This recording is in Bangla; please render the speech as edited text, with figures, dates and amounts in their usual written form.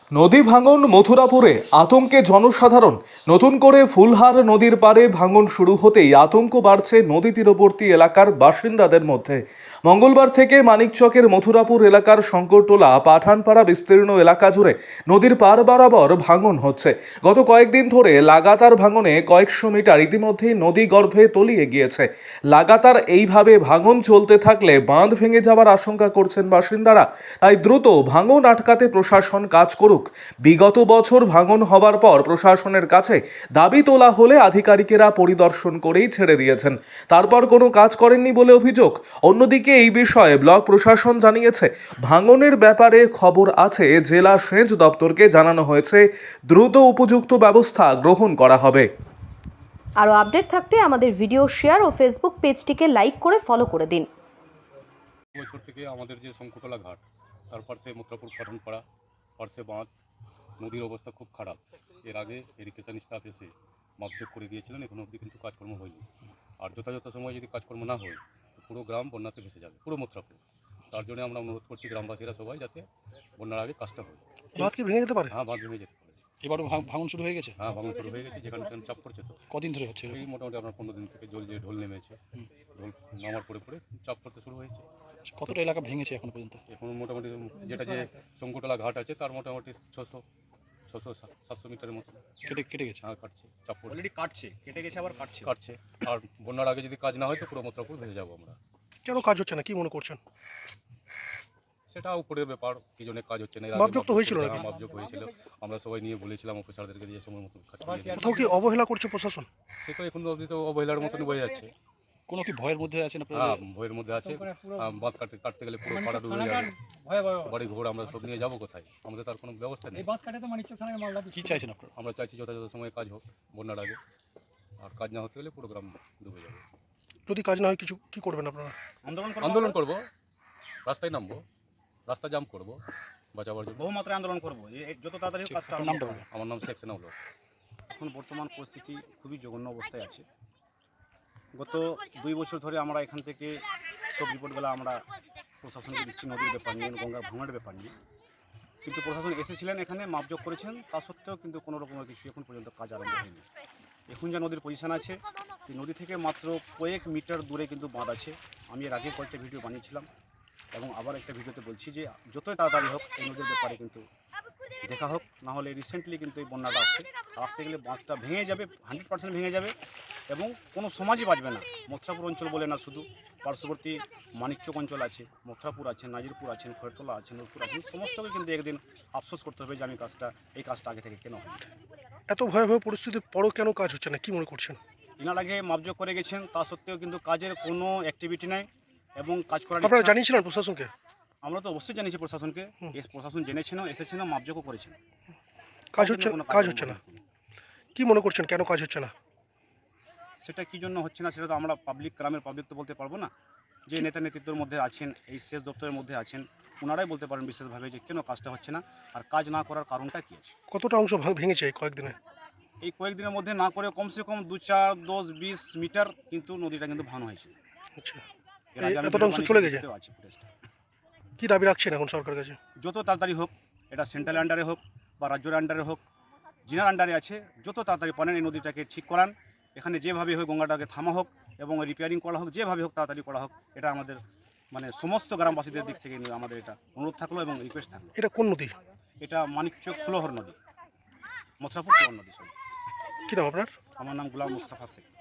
নদী ভাঙন মথুরাপুরে আতঙ্কে জনসাধারণ। নতুন করে ফুলহার নদীর পাড়ে ভাঙন শুরু হতেই আতঙ্ক বাড়ছে নদী তীরবর্তী এলাকার বাসিন্দাদের মধ্যে। মঙ্গলবার থেকে মানিকচকের মথুরাপুর এলাকার শঙ্করটোলা পাঠানপাড়া বিস্তীর্ণ এলাকা জুড়ে নদীর পাড় বরাবর ভাঙন হচ্ছে। গত কয়েকদিন ধরে লাগাতার ভাঙনে কয়েকশো মিটার ইতিমধ্যেই নদী গর্ভে তলিয়ে গিয়েছে। লাগাতার এইভাবে ভাঙন চলতে থাকলে বাঁধ ভেঙে যাওয়ার আশঙ্কা করছেন বাসিন্দারা। তাই দ্রুত ভাঙন আটকাতে প্রশাসন কাজ করুক। বিগত বছর ভাঙন হবার পর প্রশাসনের কাছে দাবি তোলা হলে আধিকারিকেরা পরিদর্শন করেই ছেড়ে দিয়েছেন, তারপর কোনো কাজ করেননি বলে অভিযোগ। অন্যদিকে এই বিষয়ে ব্লক প্রশাসন জানিয়েছে, ভাঙনের ব্যাপারে খবর আছে, জেলা সেচ দপ্তরকে জানানো হয়েছে, দ্রুত উপযুক্ত ব্যবস্থা গ্রহণ করা হবে। আরও আপডেট থাকতে আমাদের ভিডিও শেয়ার ও ফেসবুক পেজটিকে লাইক করে ফলো করে দিন। বছর থেকে আমাদের যে শঙ্করটোলা ঘাট, তারপর সে মথুরাপুর পাঠানপাড়া পার্শ্বে বাঁধ, নদীর অবস্থা খুব খারাপ। এর আগে ইরিগেশন স্টাফ এসে মাপজোক করে দিয়েছিলেন, এখন অবধি কিন্তু কাজকর্ম হয়নি। আর যথাযথ সময় যদি কাজকর্ম না হয় তো পুরো গ্রাম বন্যাতে ভেসে যাবে, পুরো মথুরাপুর। তার জন্য আমরা অনুরোধ করছি গ্রামবাসীরা সবাই যাতে বন্যার আগে কাজটা হয়। বাঁধ কি ভেঙে যেতে পারে? হ্যাঁ, বাঁধ ভেঙে যেতে পারে। এবারও ভাঙন শুরু হয়ে গেছে? হ্যাঁ, ভাঙন শুরু হয়ে গেছে, যেখানে চাপ পড়ছে। তো কদিন ধরে হচ্ছে? এই মোটামুটি আপনার 15 দিন থেকে জল যে ঢোল নেমেছে, ঢোল নামার পরে পরে চাপ পড়তে শুরু হয়েছে। কতটা এলাকা ভেঙেছে এখন পর্যন্ত? এখন মোটামুটি যেটা যে শঙ্করটোলা ঘাট আছে তার মোটামুটি 600-700 মিটারের মতো কেটে গেছে? হ্যাঁ, কাটছে, চাপ পড়ে অলরেডি কাটছে, কেটে গেছে, আবার কাটছে। আর বন্যার আগে যদি কাজ না হয় তো পুরো মথুরাপুর ভেসে যাবো আমরা। কেন কাজ হচ্ছে না, কি মনে করছেন? সেটা উপরের ব্যাপার, কি জন্য কাজ হচ্ছে না। মাপজোক তো হয়েছিল নাকি? মাপজোক হয়েছিল, আমরা সবাই নিয়ে বলেছিলাম অফিসারদেরকে দিয়ে সময় মতো কাজ করে দিতে। কোথাও কি অবহেলা করছে প্রশাসন? সে তো এখন অবধি তো অবহেলার মতন বয়ে যাচ্ছে। কোনো কি ভয়ের মধ্যে আছেন আপনারা? হ্যাঁ, ভয়ের মধ্যে আছে। বাঁধ কাটতে গেলে পুরো পাড়া ডুবে যাবে, বাড়ি ঘর আমরা সব নিয়ে যাবো কোথায়? আমাদের তার কোনো ব্যবস্থা নেই। কি চাইছেন আপনারা? আমরা চাইছি যথাযথ সময়ে কাজ হোক বন্যার আগে, আর কাজ না হতে গেলে পুরো গ্রাম ডুবে যাবে। যদি কাজ না হয় কিছু কি করবেন আপনারা? আন্দোলন করব, রাস্তায় নামবো, রাস্তা জাম করব বাঁচাবার জন্য। বহুমাত্রায় আন্দোলন করবো, যত তাড়াতাড়ি হোক কাজটা। আপনার নামটা বলুন। আমার নাম শেখ সেনাউল হক। এখন বর্তমান পরিস্থিতি খুবই জঘন্য অবস্থায় আছে। গত 2 বছর ধরে আমরা এখান থেকে সব রিপোর্টগুলো আমরা প্রশাসনকে দিচ্ছি, নদীর ব্যাপার নিয়ে, গঙ্গা ভাঙার ব্যাপার নিয়ে। কিন্তু প্রশাসন এসেছিলেন, এখানে মাপজোক করেছেন, তা সত্ত্বেও কিন্তু কোনো রকমের কিছু এখন পর্যন্ত কাজ আরম্ভ হয়নি। এখন যা নদীর পজিশন আছে, সেই নদী থেকে মাত্র কয়েক মিটার দূরে কিন্তু বাঁধ আছে। আমি এর আগে কয়েকটা ভিডিও বানিয়েছিলাম এবং আবার একটা ভিডিওতে বলছি যে যতই তাড়াতাড়ি হোক এই নদীর ব্যাপারে কিন্তু দেখা হোক। না হলে রিসেন্টলি কিন্তু এই বন্যাটা আসছে, আসতে গেলে বাঁধটা ভেঙে যাবে, 100% ভেঙে যাবে এবং কোনো সমাজই বাঁচবে না। মথুরাপুর অঞ্চল বলে না, শুধু পার্শ্ববর্তী মানিকচক অঞ্চল আছে, মথুরাপুর আছে, নাজিরপুর আছেন, খড়তলা আছেন, নূরপুর আছেন, সমস্তকে কিন্তু একদিন আফসোস করতে হবে যে আমি এই কাজটা আগে থেকে কেন হয়। এত ভয়াবহ পরিস্থিতির পরও কেন কাজ হচ্ছে না, কি মনে করছেন? এনার আগে মাপজোক করে গেছেন, তা সত্ত্বেও কিন্তু কাজের কোনো অ্যাক্টিভিটি নাই এবং কাজ করার আপনারা ইচ্ছা- জানিয়েছিলেন প্রশাসনকে? আমরা তো অবশ্যই জানিয়েছি প্রশাসনকে, প্রশাসন জেনেছেন, এসেছেন, মাপজোকও করেছেন। কাজ হচ্ছে কোনো কাজ হচ্ছে না, কি মনে করছেন কেন কাজ হচ্ছে না? সেটা কী জন্য হচ্ছে না সেটা তো আমরা গ্রামের পাবলিক তো বলতে পারবো না। যে নেতা নেতৃত্বের মধ্যে আছেন, এই সেচ দপ্তরের মধ্যে আছেন, ওনারাই বলতে পারেন বিশেষভাবে যে কেন কাজটা হচ্ছে না আর কাজ না করার কারণটা কী আছে। কতটা অংশ ভেঙেছে এই কয়েকদিনে? এই কয়েকদিনের মধ্যে না করে কমসে কম 2, 4, 10, 20 মিটার কিন্তু নদীটা কিন্তু ভাঙন হয়েছে। আচ্ছা, এর আগে আমি এতটা অংশ ভিডিও চলে বানিয়ে গেছে? দিতেও আছি ফুটেজটা। কি দাবি রাখছেন এখন সরকারের কাছে? যত তাড়াতাড়ি হোক, এটা সেন্ট্রাল আন্ডারে হোক বা রাজ্যের আন্ডারে হোক, জিনার আন্ডারে আছে, যত তাড়াতাড়ি পারেন এই নদীটাকে ঠিক করান। এখানে যেভাবে হোক গঙ্গাটাকে থামা হোক এবং রিপেয়ারিং করা হোক, যেভাবে হোক তাড়াতাড়ি করা হোক। এটা আমাদের সমস্ত গ্রামবাসীদের দিক থেকে আমাদের এটা অনুরোধ থাকলো এবং রিকোয়েস্ট থাকলো। এটা কোন নদী? এটা মানিকচক ফুলহর নদী, মথুরাপুর ফুলহর নদী। কি নাম আপনার? আমার নাম গোলাম মুস্তাফা শেখ।